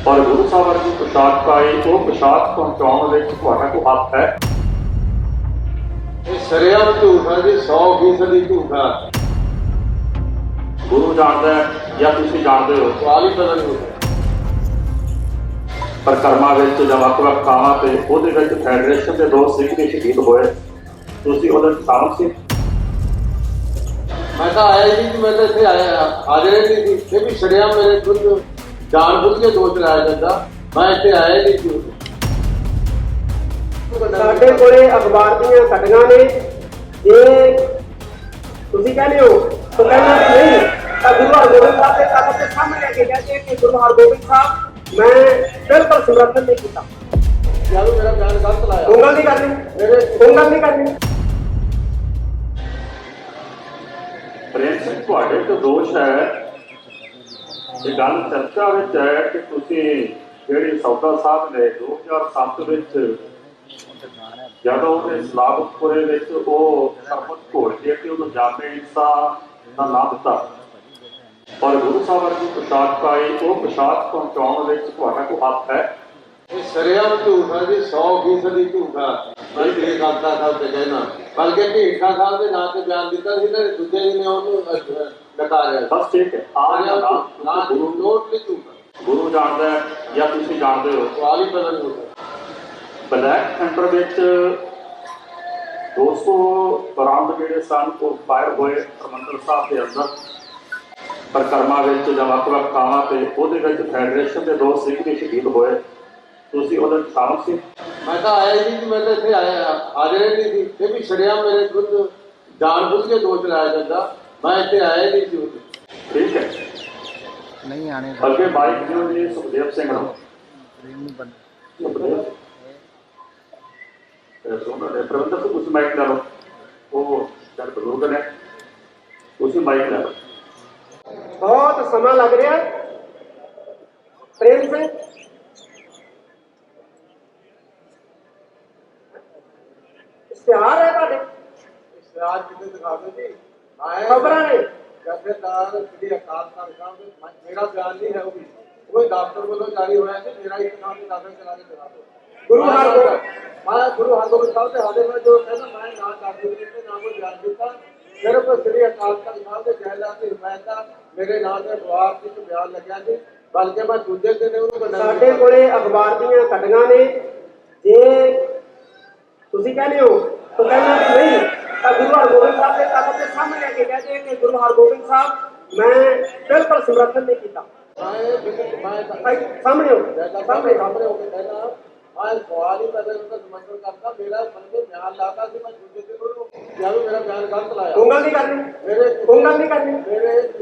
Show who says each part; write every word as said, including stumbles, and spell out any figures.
Speaker 1: और गुरु साहब की पोशाक पाई वो पोशाक पहुंचाने को हक है।
Speaker 2: सरेआम झूठ है जी, सौ फीसदी झूठ है।
Speaker 1: गुरु जानता है या तुम जानते हो
Speaker 2: सवाल ही पता नहीं होता।
Speaker 1: परिक्रमा जब ਵੱਖ-ਵੱਖ ਥਾਵਾਂ ਤੇ ਉਹਦੇ ਵਿੱਚ ਫੈਡਰੇਸ਼ਨ ਦੇ ਦੋ ਸਿੱਖ ਵੀ ਸ਼ਹੀਦ ਹੋਏ, ਤੁਸੀਂ ਉਹਦੇ ਸ਼ਾਮਲ ਸੀ?
Speaker 2: मैं तो आया ही नहीं कि मैं तो इतने आया हाजिर ही नहीं थी। फिर भी सरेआम मेरे खुद जानबूझ के दोष लाया जाता, मैं इतने आया ही नहीं थी।
Speaker 3: ਸਾਡੇ ਕੋਲੇ ਅਖਬਾਰ ਦੀਆਂ ਕਟੀਆਂ ਨੇ, ਜੇ ਤੁਸੀਂ ਕਹਿੰਦੇ ਹੋ ਤਾਂ ਕਹਿੰਦਾ ਨਹੀਂ ਤਾਂ ਗੁਰੂ ਹਰਗੋਬਿੰਦ ਸਾਹਿਬ ਦੇ ਤਖਤ ਦੇ ਸਾਹਮਣੇ ਲੈ ਕੇ ਕਹਿੰਦੇ ਕਿ ਗੁਰੂ ਹਰਗੋਬਿੰਦ ਸਾਹਿਬ ਮੈਂ ਬਿਲਕੁਲ ਸਮਰਥਨ ਨਹੀਂ ਕੀਤਾ।
Speaker 2: यार मेरा बयान गलत लाया,
Speaker 3: ਉਂਗਲ ਨਹੀਂ ਕਰਨੀ,
Speaker 2: मेरे
Speaker 3: ਉਂਗਲ ਨਹੀਂ ਕਰਨੀ।
Speaker 1: ਪ੍ਰੇਮ ਸਿੰਘ ਤੁਹਾਡੇ ਤੋਂ ਦੋਸ਼ ਹੈ ਇਹ ਗੱਲ ਚਰਚਾ ਵਿੱਚ ਹੈ ਕਿ ਤੁਸੀਂ ਜਿਹੜੀ ਸੌਦਾ ਸਾਹਿਬ ਨੇ ਦੋ ਹਜ਼ਾਰ ਸੱਤ ਵਿੱਚ ਜਦੋਂ ਉਹਨੇ ਸਲਾਮਤਪੁਰੇ ਵਿੱਚ ਉਹ ਸਰਬਤ ਘੋਲ ਕੇ ਤੇ ਉਹਨੂੰ ਜਾਮੇ ਇੰਸਾ ਦਾ ਨਾਮ ਦਿੱਤਾ ਔਰ ਗੁਰੂ ਸਾਹਿਬ ਦੀ पोशाक ਪਾਈ ਉਹ पोशाक ਪਹੁੰਚਾਉਣ ਵਿੱਚ ਤੁਹਾਡਾ ਕੋਈ ਹੱਥ ਹੈ?
Speaker 2: सरेआम झूठ है जी, सौ फीसदी झूठ है। मैं ये खालसा साहब से कहना बल्कि ढीठा साहब के नाम से बयान दिता सी ना, दूजे जी ने उन्होंने नकारा।
Speaker 1: बस ठीक है, आ जाना गुरु
Speaker 2: टोटली झूठ है।
Speaker 1: गुरु जानता है या तुम जानते हो
Speaker 2: सवाल ही पता नहीं होता।
Speaker 1: ब्लैक सेंटर ਵਿੱਚ दो सौ ਰਾਉਂਡ ਜਿਹੜੇ ਸਨ ਉਹ ਫਾਇਰ ਹੋਏ ਹਰਿਮੰਦਰ ਸਾਹਿਬ ਦੇ ਅੰਦਰ परिक्रमा जब ਵੱਖ-ਵੱਖ ਥਾਵਾਂ ਤੇ ਉਹਦੇ ਵਿੱਚ ਫੈਡਰੇਸ਼ਨ ਦੇ ਦੋ ਸਿੱਖ ਵੀ ਸ਼ਹੀਦ ਹੋਏ, ਤੁਸੀਂ ਉਹਦੇ ਸ਼ਾਮਲ ਸੀ?
Speaker 2: मैं तो आया ही नहीं कि मैं तो इतने आया हाजिर ही नहीं थी। फिर भी सरेआम मेरे खुद जानबूझ के दोष लाया जाता, मैं इतने आया ही नहीं थी।
Speaker 1: ठीक है,
Speaker 4: नहीं आने
Speaker 1: अगे बाइक जो जी सुखदेव सिंह ਨੂੰ ਸੁਖਦੇਵ ਤੇ ਸੋਨਾ ਦੇ ਪ੍ਰਬੰਧਕ ਤੋਂ ਕੁਝ ਮਾਈਕ ਲੈ ਲਓ, ਉਹ ਚੱਲ ਬਜ਼ੁਰਗ ਨੇ, ਤੁਸੀਂ ਮਾਈਕ ਲੈ ਲਓ।
Speaker 3: ਬਹੁਤ ਸਮਾਂ ਲੱਗ ਰਿਹਾ ਪ੍ਰੇਮ ਸਿੰਘ। ਇਸ਼ਤਿਹਾਰ ਹੈ ਤੁਹਾਡੇ,
Speaker 2: इश्तिहार कितने दिखा दो जी,
Speaker 3: ਖਬਰਾਂ ਨੇ।
Speaker 2: जथेदार श्री अकाल तख्त साहब मेरा बयान नहीं है, वो भी कोई दफ्तर वालों जारी होया है, मेरा एक नाम से दाखिल करा के दिखा दो।
Speaker 3: गुरु हरगोबिंद
Speaker 2: मैं गुरु हरगोबिंद साहब से हाजिर में जो कहना मैं ना दाखिल करके ना कोई बयान दिता, सिर्फ श्री अकाल तख्त साहब के जहला की हिमायत मेरे नाम से जवाब की बयान लग्या जी, बल्कि मैं दूजे दिन उन्होंने
Speaker 3: ਸਾਡੇ ਕੋਲੇ ਅਖਬਾਰ ਦੀਆਂ ਕਟੀਆਂ ਨੇ, ਜੇ ਤੁਸੀਂ ਕਹਿੰਦੇ ਹੋ ਤਾਂ ਕਹਿੰਦਾ ਨਹੀਂ ਤਾਂ ਗੁਰੂ ਹਰਗੋਬਿੰਦ ਸਾਹਿਬ ਦੇ ਤਖਤ ਦੇ ਸਾਹਮਣੇ ਲੈ ਕੇ ਕਹਿੰਦੇ ਕਿ ਗੁਰੂ ਹਰਗੋਬਿੰਦ ਸਾਹਿਬ ਮੈਂ ਬਿਲਕੁਲ ਸਮਰਥਨ ਨਹੀਂ ਕੀਤਾ। ਭਾਈ ਸਾਹਮਣੇ ਹੋ,
Speaker 2: सामने सामने होकर कहना मैं सवाल ही पैदा उनका समर्थन करता, मेरा बल्कि बयान लाता कि मैं दूजे दिन यार मेरा बयान गलत लाया,
Speaker 3: ਉਂਗਲ ਨਹੀਂ ਕਰਨੀ,
Speaker 2: मेरे
Speaker 3: ਉਂਗਲ ਨਹੀਂ ਕਰਨੀ।
Speaker 2: मेरे